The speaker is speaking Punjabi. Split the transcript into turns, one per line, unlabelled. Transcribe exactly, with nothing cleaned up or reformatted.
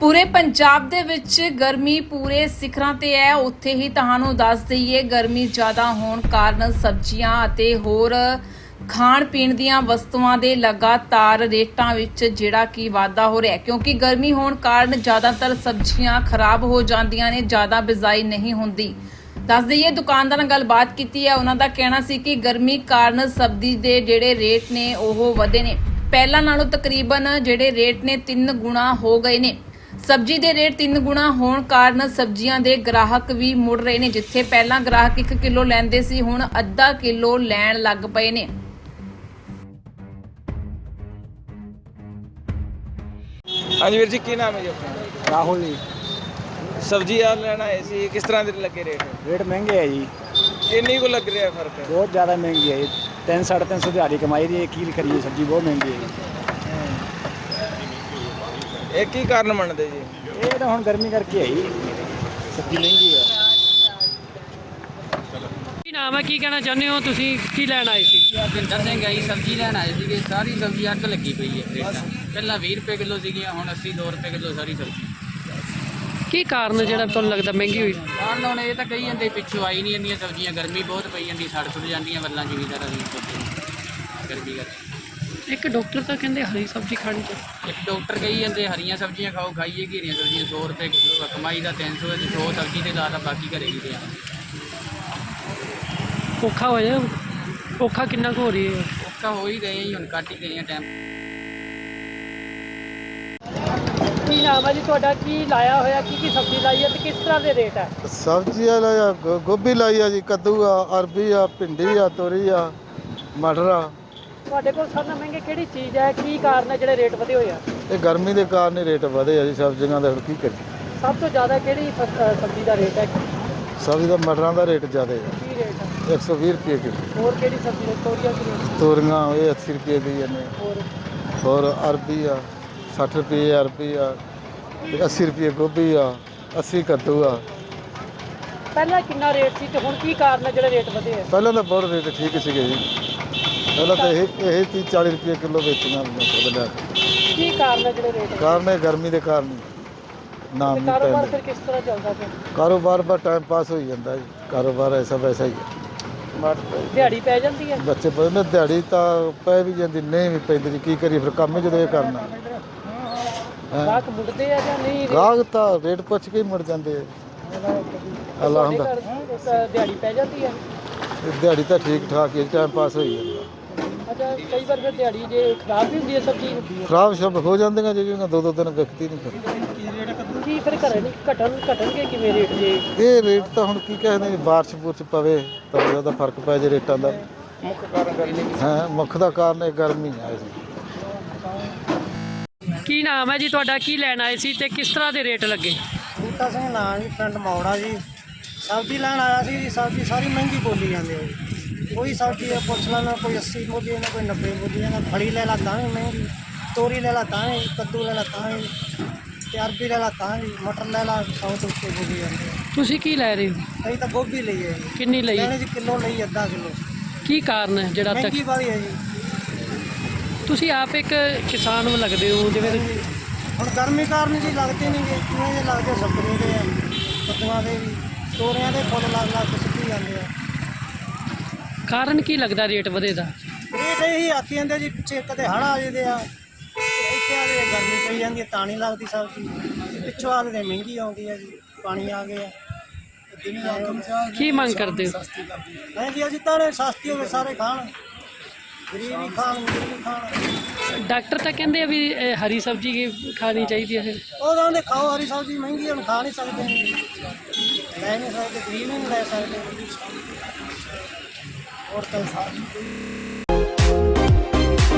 पूरे पंजाब दे विच गर्मी पूरे सिखरां ते है। उत्थे ही तुहानूं दस दईए गर्मी ज़्यादा होण कारण सब्जियां अते होर खाण पीण दीआं वस्तुआं दे लगातार रेटां विच जिहड़ा कि वाधा हो रिहा, क्योंकि गर्मी होण कारण ज़्यादातर सब्जियां खराब हो जांदियां ने, ज़्यादा बिजाई नहीं हुंदी। दस दईए दुकानदार नाल गलबात कीती है, उन्हां दा कहना सी कि गर्मी कारण सब्जी दे जिहड़े रेट ने ओह वधे ने। ਪਹਿਲਾਂ ਨਾਲੋਂ ਤਕਰੀਬਨ ਜਿਹੜੇ ਰੇਟ ਨੇ ਤਿੰਨ ਗੁਣਾ ਹੋ ਗਏ ਨੇ। ਸਬਜ਼ੀ ਦੇ ਰੇਟ ਤਿੰਨ ਗੁਣਾ ਹੋਣ ਕਾਰਨ ਸਬਜ਼ੀਆਂ ਦੇ ਗ੍ਰਾਹਕ ਵੀ ਮੁੜ ਰਹੇ ਨੇ। ਜਿੱਥੇ ਪਹਿਲਾਂ ਗ੍ਰਾਹਕ ਇੱਕ ਕਿਲੋ ਲੈਂਦੇ ਸੀ, ਹੁਣ ਅੱਧਾ ਕਿਲੋ ਲੈਣ ਲੱਗ ਪਏ ਨੇ।
ਹਾਂਜੀ ਵੀਰ ਜੀ, ਕੀ ਨਾਮ ਹੈ ਜੀ ਆਪਣਾ?
ਰਾਹੁਲ ਜੀ।
ਸਬਜ਼ੀ ਆ ਲੈਣਾ ਆਏ ਸੀ, ਕਿਸ ਤਰ੍ਹਾਂ ਦੇ ਲੱਗੇ ਰੇਟ?
ਰੇਟ ਮਹਿੰਗੇ ਹੈ ਜੀ,
ਕਿੰਨੀ ਕੁ ਲੱਗ ਰਿਹਾ ਫਰਕ?
ਬਹੁਤ ਜ਼ਿਆਦਾ ਮਹਿੰਗੀ ਹੈ ਜੀ। ਤਿੰਨ ਸਾਢੇ ਤਿੰਨ ਸੌ ਦਿਹਾੜੀ ਕਮਾਈ ਦੀ, ਕੀ ਕਰੀਏ, ਸਬਜ਼ੀ ਬਹੁਤ ਮਹਿੰਗੀ ਹੈ ਜੀ।
ਇਹ ਕੀ ਕਾਰਨ ਮੰਨਦੇ ਜੀ?
ਇਹ ਤਾਂ ਹੁਣ ਗਰਮੀ ਕਰਕੇ ਹੈ ਜੀ, ਸਬਜ਼ੀ ਮਹਿੰਗੀ ਹੈ।
ਕੀ ਨਾਮ ਹੈ, ਕੀ ਕਹਿਣਾ ਚਾਹੁੰਦੇ ਹੋ ਤੁਸੀਂ? ਕੀ ਲੈਣ ਆਏ ਸੀ?
ਭਿੰਦਰ ਸਿੰਘ ਆਈ ਸਬਜ਼ੀ ਲੈਣ ਆਏ ਸੀਗੇ। ਸਾਰੀ ਸਬਜ਼ੀ ਅੱਗ ਲੱਗੀ ਪਈ ਹੈ ਰੇਟਾਂ। ਪਹਿਲਾਂ ਵੀਹ ਰੁਪਏ ਕਿਲੋ ਸੀਗੀਆਂ, ਹੁਣ ਅੱਸੀ ਦੋ ਰੁਪਏ ਕਿਲੋ ਸਾਰੀ ਸਬਜ਼ੀ।
ਕੀ ਕਾਰਨ ਜਿਹੜਾ ਤੁਹਾਨੂੰ ਲੱਗਦਾ ਮਹਿੰਗੀ ਹੋਈ?
ਕਾਰਨ ਹੁਣ ਇਹ ਤਾਂ ਕਹੀ ਜਾਂਦੇ ਪਿੱਛੋਂ ਆਈ ਨਹੀਂ ਇੰਨੀਆਂ ਸਬਜ਼ੀਆਂ, ਗਰਮੀ ਬਹੁਤ ਪਈ ਜਾਂਦੀ, ਸੜ ਸੁੱਟ ਜਾਂਦੀਆਂ ਵੱਲਾਂ ਜ਼ਿਮੀਂਦਾਰਾਂ ਦੀਆਂ ਗਰਮੀ ਕਰਕੇ।
ਇੱਕ ਡਾਕਟਰ ਤਾਂ ਕਹਿੰਦੇ ਹਰੀ ਸਬਜ਼ੀ ਖਾਣੀ ਚਾਹੀਦੀ।
ਇੱਕ ਡਾਕਟਰ ਕਹੀ ਜਾਂਦੇ ਹਰੀਆਂ ਸਬਜ਼ੀਆਂ ਖਾਓ, ਖਾਈਏ ਘੀਰੀਆਂ ਸਬਜ਼ੀਆਂ। ਸੌ ਰੁਪਏ ਕਿਲੋ ਆ, ਕਮਾਈ ਦਾ ਤਿੰਨ ਸੌ ਹੈ, ਸੌ ਸਬਜ਼ੀ ਦੇ ਲਾ ਤਾਂ ਬਾਕੀ ਘਰੇ ਹੀ ਪਿਆ।
ਔਖਾ ਹੋ ਜਾਏ, ਔਖਾ ਕਿੰਨਾ ਕੁ ਹੋ ਰਹੀ ਹੈ?
ਔਖਾ ਹੋ ਹੀ ਗਏ ਜੀ, ਹੁਣ ਕੱਟ ਹੀ ਗਏ ਆ ਟਾਈਮ।
ਕੀ ਨਾਮ ਹੈ ਜੀ ਤੁਹਾਡਾ? ਕੀ ਲਾਇਆ ਹੋਇਆ, ਕੀ ਕੀ ਸਬਜ਼ੀ ਲਾਈ ਹੈ ਤੇ ਕਿਸ ਤਰ੍ਹਾਂ ਦੇ ਰੇਟ ਹੈ?
सब्जी लाया गो- गोभी लाई है जी, कद्दू आ, अरबी आ, भिंडी आ, तोरी आ, मटर आ।
ਤੁਹਾਡੇ ਕੋਲ ਸਾਰਿਆਂ ਨਾਲੋਂ ਮਹਿੰਗੇ ਕਿਹੜੀ ਚੀਜ਼ ਹੈ? ਕੀ ਕਾਰਨ ਹੈ ਜਿਹੜੇ ਰੇਟ ਵਧੇ ਹੋਏ ਆ?
ਇਹ ਗਰਮੀ ਦੇ ਕਾਰਨ ਹੀ ਰੇਟ ਵਧੇ ਆ ਜੀ ਸਬਜ਼ੀਆਂ ਦੇ। ਹੁਣ ਕੀ ਕਰੀਏ,
ਸਭ ਤੋਂ ਜ਼ਿਆਦਾ ਕਿਹੜੀ ਫਸ- ਅ, ਸਬਜ਼ੀ ਦਾ ਰੇਟ ਹੈ?
ਸਬਜ਼ੀ ਦਾ ਮਟਰਾਂ ਦਾ ਰੇਟ ਜ਼ਿਆਦਾ ਹੈ,
ਕੀ ਰੇਟ ਹੈ?
ਇੱਕ ਸੌ ਵੀਹ ਰੁਪਏ ਕਿਲੋ।
ਹੋਰ ਕਿਹੜੀ ਸਬਜ਼ੀ ਹੈ? ਤੋਰੀਆਂ ਕਿੰਨੀਆਂ?
ਤੋਰੀਆਂ ਇਹ ਅੱਸੀ ਰੁਪਏ ਦੀ ਨੇ।
ਹੋਰ
ਹੋਰ ਅਰਬੀ ਆ ਸੱਠ ਰੁਪਏ, ਅਰਬੀ ਆ ਤੇ ਅੱਸੀ ਰੁਪਏ ਗੋਭੀ ਆ, ਅੱਸੀ ਕੱਦੂ ਆ।
ਪਹਿਲਾਂ ਕਿੰਨਾ ਰੇਟ ਸੀ ਤੇ ਹੁਣ ਕੀ ਕਾਰਨ ਹੈ ਜਿਹੜੇ ਰੇਟ ਵਧੇ ਆ?
ਪਹਿਲਾਂ ਤਾਂ ਬਹੁਤ ਰੇਟ ਠੀਕ ਸੀਗੇ ਜੀ, ਪਹਿਲਾਂ ਤਾਂ ਇਹ ਇਹ ਤੀਹ ਚਾਲੀ ਰੁਪਏ ਕਿਲੋ ਵੇਚੀਆਂ ਮਟਰ ਲੈ ਕੇ।
ਕੀ ਕਾਰਨ ਹੈ ਜਿਹੜੇ ਰੇਟ?
ਕਾਰਨ ਹੈ ਗਰਮੀ ਦੇ ਕਾਰਨ ਨਾਮ
ਤੇ
ਨਹੀਂ
ਕਾਰੋਬਾਰ
ਪੈਂਦਾ।
ਫਿਰ ਕਿਸ ਤਰ੍ਹਾਂ ਚੱਲਦਾ ਪਿਆ?
ਕਾਰੋਬਾਰ ਬਾ ਟਾਈਮ ਪਾਸ ਹੋਈ ਜਾਂਦਾ ਜੀ, ਕਾਰੋਬਾਰ ਐਸਾ ਵੈਸਾ ਹੀ ਹੈ।
ਦਿਹਾੜੀ ਪੈ ਜਾਂਦੀ ਹੈ?
ਬੱਚੇ ਪੜ੍ਹਦੇ, ਦਿਹਾੜੀ ਤਾਂ ਪੈ ਵੀ ਜਾਂਦੀ, ਨਹੀਂ ਵੀ ਪੈਂਦੀ ਜੀ, ਕੀ ਕਰੀਏ ਫਿਰ, ਕੰਮ ਹੀ ਜਦੋਂ ਇਹ ਕਰਨਾ। ਹੈਂ।
ਗਾਹਕ ਮੁੜਦੇ ਆ ਜਾਂ ਨਹੀਂ?
ਗਾਹਕ ਤਾਂ ਰੇਟ ਪੁੱਛ ਕੇ ਹੀ ਮੁੜ ਜਾਂਦੇ ਆ। ਅੱਲਾ
ਤੁਹਾਡੇ
ਹੁੰਦਾ,
ਘਰ, ਅ, ਦਿਹਾੜੀ ਪੈ ਜਾਂਦੀ ਹੈ?
ਇਹ ਦਿਹਾੜੀ ਤਾਂ ਠੀਕ ਠਾਕ ਹੀ ਟਾਈਮ ਪਾਸ ਹੋਈ ਜਾਂਦਾ।
ਅੱਛਾ, ਕਈ ਵਾਰ ਫਿਰ ਦਿਹਾੜੀ ਜੇ ਖਰਾਬ ਵੀ ਹੁੰਦੀ ਹੈ ਸਬਜ਼ੀ,
ਖਰਾਬ ਸ਼ਬ ਹੋ ਜਾਂਦੀਆਂ ਜਿਹੜੀਆਂ ਦੋ ਦੋ ਦਿਨ ਵਿਕਦੀ ਨਹੀਂ ਫਿਰ।
ਕੀ ਫਿਰ ਘਰੇ ਨਹੀਂ ਘਟਣ ਘਟਣਗੇ ਕਿਵੇਂ ਰੇਟ ਜੇ?
ਇਹ ਰੇਟ ਤਾਂ ਹੁਣ ਕੀ ਕਹਿੰਦੇ ਜੀ, ਬਾਰਿਸ਼ ਬੁਰਸ਼ ਪਵੇ ਤਾਂ ਉਹਦਾ ਫਰਕ ਪੈ ਜੇ ਰੇਟਾਂ ਦਾ।
ਮੁੱਖ ਕਾਰਨ ਗਰਮੀ।
ਹਾਂ, ਮੁੱਖ ਦਾ ਕਾਰਨ ਇਹ ਗਰਮੀ ਆ ਜੀ।
ਕੀ ਨਾਮ ਹੈ ਜੀ ਤੁਹਾਡਾ? ਕੀ ਲੈਣ ਆਏ ਸੀ ਤੇ ਕਿਸ ਤਰ੍ਹਾਂ ਦੇ ਰੇਟ ਲੱਗੇ?
ਬੂਟਾ ਸਿੰਘ ਨਾਂ ਜੀ, ਪਿੰਡ ਮੌੜਾ ਜੀ। ਸਬਜ਼ੀ ਲੈਣ ਆਇਆ ਸੀ ਜੀ। ਸਬਜ਼ੀ ਸਾਰੀ ਮਹਿੰਗੀ ਬੋਲੀ ਜਾਂਦੀ ਹੈ ਜੀ। ਕੋਈ ਸਬਜ਼ੀ ਹੈ ਪੁੱਛ ਲੈਣਾ, ਕੋਈ ਅੱਸੀ ਬੋਲੀ ਜਾਂਦਾ, ਕੋਈ ਨੱਬੇ ਬੋਲੀ ਜਾਂਦਾ। ਫੜੀ ਲੈ ਲਾ ਤਾਂ ਵੀ ਮਹਿੰਗੀ, ਤੋਰੀ ਲੈ ਲਾ ਤਾਂ ਵੀ, ਕੱਦੂ ਲੈ ਲਾ ਤਾਂ ਵੀ, ਤੇ ਅਰਬੀ ਲੈ ਲਾ ਤਾਂ ਵੀ, ਮਟਰ ਲੈ ਲਾ ਸੌ ਤੋਂ ਉੱਤੇ ਬੋਲੀ ਜਾਂਦੀ ਹੈ।
ਤੁਸੀਂ ਕੀ ਲੈ ਰਹੇ ਹੋ?
ਅਸੀਂ ਤਾਂ ਗੋਭੀ ਲਈ ਹੈ ਜੀ।
ਕਿੰਨੀ ਲਈ?
ਲੈਣੇ ਜੀ ਕਿਲੋ ਲਈ, ਅੱਧਾ ਕਿਲੋ।
ਕੀ ਕਾਰਨ ਹੈ ਜਿਹੜਾ ਤੱਕ?
ਮਹਿੰਗੀ ਵਾਲੀ ਹੈ ਜੀ।
ਤੁਸੀਂ ਆਪ ਇੱਕ ਕਿਸਾਨ ਨੂੰ ਲੱਗਦੇ ਹੋ, ਜਿਵੇਂ
ਹੁਣ ਗਰਮੀ ਕਾਰਨ ਜੀ ਲੱਗਦੇ ਨਹੀਂ ਗੇ, ਕਿਵੇਂ ਜੇ ਲੱਗਦੇ ਸਬਜ਼ੀਆਂ ਦੇ ਆ, ਕੱਦੂਆਂ ਦੇ ਵੀ, ਤੋਰੀਆਂ ਦੇ ਫੁੱਲ ਲੱਗ ਲੱਗ ਕੇ ਸੁੱਕੀ ਜਾਂਦੇ ਆ।
ਕਾਰਨ ਕੀ ਲੱਗਦਾ ਰੇਟ ਵਧੇ ਦਾ?
ਰੇਟ ਇਹੀ ਆਖੀ ਜਾਂਦੇ ਜੀ, ਪਿੱਛੇ ਕਦੇ ਹੜ੍ਹ ਆ ਜਾਂਦੇ ਆ, ਤੇ ਇੱਥੇ ਆ ਕੇ ਗਰਮੀ ਪਈ ਜਾਂਦੀ ਹੈ ਤਾਂ ਨਹੀਂ ਲੱਗਦੀ ਸਬਜ਼ੀ। ਪਿੱਛੋਂ ਆ ਕੇ ਮਹਿੰਗੀ ਆਉਂਦੀ ਹੈ ਜੀ, ਪਾਣੀ ਆ ਗਿਆ।
ਕੀ ਮੰਗ ਕਰਦੇ ਹੋ?
ਨਹੀਂ ਜੀ, ਅਸੀਂ ਤਾਂ ਸਸਤੀ ਹੋਵੇ ਸਾਰੇ ਖਾਣ, ਗਰੀਬ ਵੀ ਖਾਣ, ਅਮੀਰ ਵੀ ਖਾਣ।
ਡਾਕਟਰ ਤਾਂ ਕਹਿੰਦੇ ਆ ਵੀ ਇਹ ਹਰੀ ਸਬਜ਼ੀ ਖਾਣੀ ਚਾਹੀਦੀ ਹੈ। ਫਿਰ
ਉਹ ਕਹਿੰਦੇ ਖਾਓ ਹਰੀ ਸਬਜ਼ੀ, ਮਹਿੰਗੀ ਹੁਣ ਖਾ ਨਹੀਂ ਸਕਦੇ, ਲੈ ਨਹੀਂ ਸਕਦੇ, ਗਰੀਬ ਨਹੀਂ ਲੈ ਸਕਦੇ। ਹੋਰ ਤਾਂ ਸਾਰੀ